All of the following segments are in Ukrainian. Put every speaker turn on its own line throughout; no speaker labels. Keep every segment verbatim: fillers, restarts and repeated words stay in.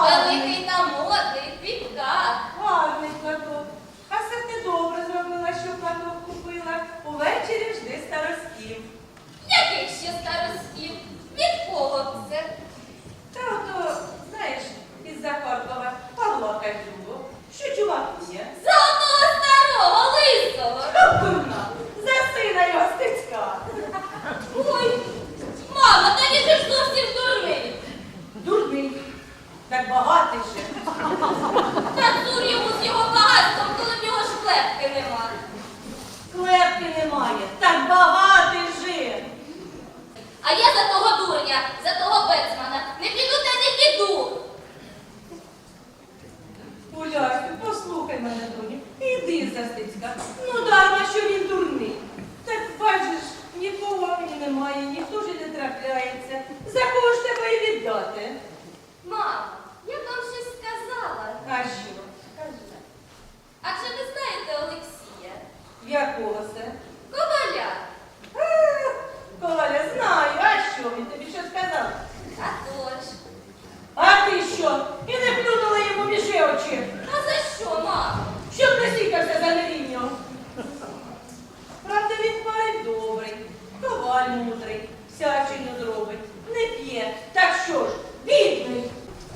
великий та модний, в квітках.
Гарний платок. А це ти добре зробила, що платок купила. Увечері жди старостів.
Яких ще старостів? Від кого б це?
Та ото, знаєш, із-за Харкова Павла Катюго, що чувакує.
За одного старого, лисого.
Дурна, за сина його стецька.
Ой, мама, та ні ж зовсім дурний.
Дурний, так багатий же.
Та дур йому з його багатством, коли в нього ж клепки нема.
Клепки немає, так багатий же.
А я за того дурня, за того бецмана не піду та не піду.
Улясю, послухай мене, доню, іди за стецька. Ну дарма, що він дурний. Так бачиш, нікого мені немає, ніхто ж і не трапляється. За кого ж тебе і віддати?
Мамо, я б вам щось сказала.
А що? Скажи.
А чи ви знаєте Олексія?
Якого це?
Коваля.
А, Коля, знаю, а що? Він тобі що сказав?
А то ж.
А ти що? І не плюнула йому між очі.
А за що, мамо?
Щоб не сікався за невіннього. Правда, він парень добрий, коваль мудрий, всячину зробить, не п'є. Так що ж, бідний.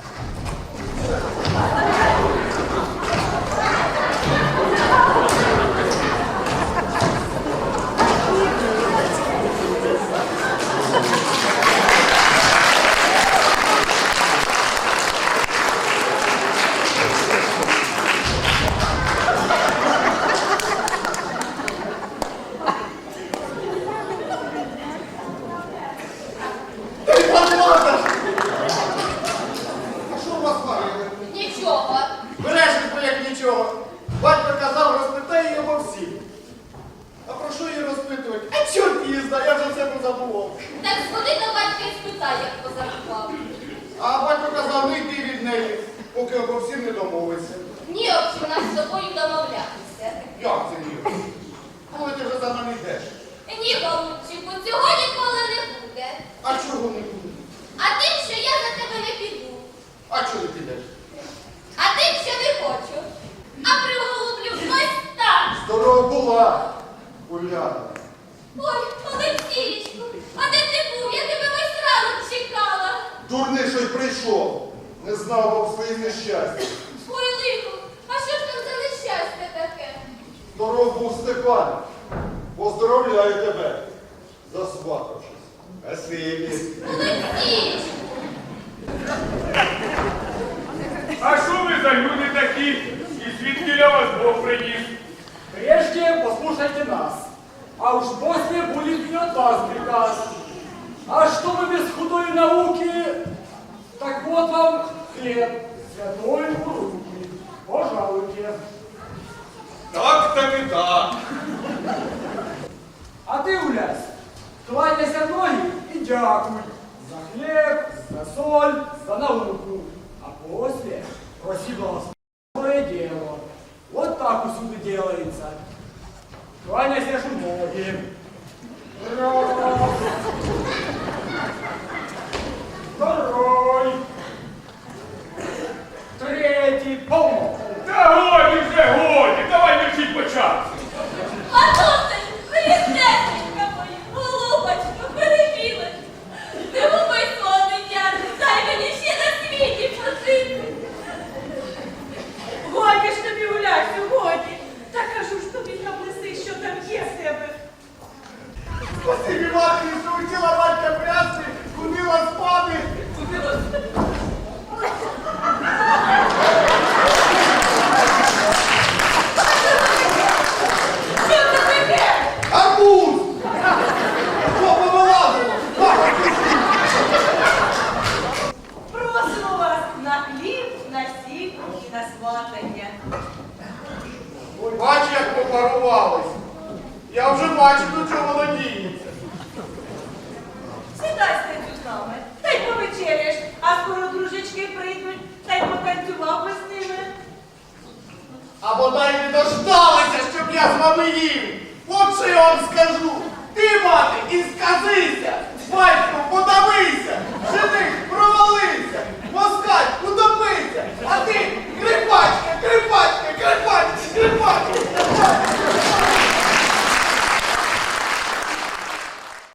Нічого.
Бережеш, бо як нічого. Батько казав, розпитай його всіх. А про що її розпитувати? А чорт її знає, я вже все позабував.
Так сходи до батька і спитай, як позарахував.
А батько казав, не йди від неї, поки обо всім не домовиться.
Ні, об у нас з тобою домовлятися.
Як це ні? Коли ти вже за мене йдеш?
Ні, голубчику, цього ніколи не буде.
А чого не буде?
А тим, що я за тебе не піду.
А чого ти підеш?
А тим, що не хочу. А приголублю ось так.
Здорова була, Уляна.
Ой, Олексієчку, а де ти був? Я тебе весь ранок чекала.
Дурний, що й прийшов. Не знав вам своїх нещастя.
Ой, лихо, а що ж там за нещастя таке?
Здоров був Степан. Поздоровляю тебе, засватавшись. Спасибі.
Олексієчку.
А що ви за люди такі? І звідки я вас Бог приніс?
Прежде послушайте нас, а уж после будет и от вас приказ. А чтобы без худой науки, так вот вам хлеб, святой у руки. Пожалуйте.
Так, так і так.
А ты, Улясь, кланяйся в ноги и дякуй за хлеб, за соль, за науку. А после проси благословенное дело. Вот так усюду делается. Кланяйся ж в ноги. Раз. Второй. Третий. Полно.
Та годі вже, годі, давай мерчіть початку.
Матусень, христесенька моя, голубочка, перебілась. Не губи свого дитя, дай мені ще на світі пожити.
Годі ж тобі, Улясю, годі. Та кажу ж тобі, наблиси, що там є в тебе.
Спасибі матері, що вчила батька прясти, ходила спати.
Що це таке?
Арбуз! Що повилазило?
Просимо вас на хліб, на сіль і на сватання.
Бач, як попарувались. Я вже бачу, до чого воно діється.
Сідай стецю з нами, та й повечеряєш, а скоро дружечки прийдуть, та й потанцював би з ними.
А бодай не дождалися, щоб я з вами їв. От що я вам скажу. Ти, мати, і сказися, батько, подавися, жених, провалився.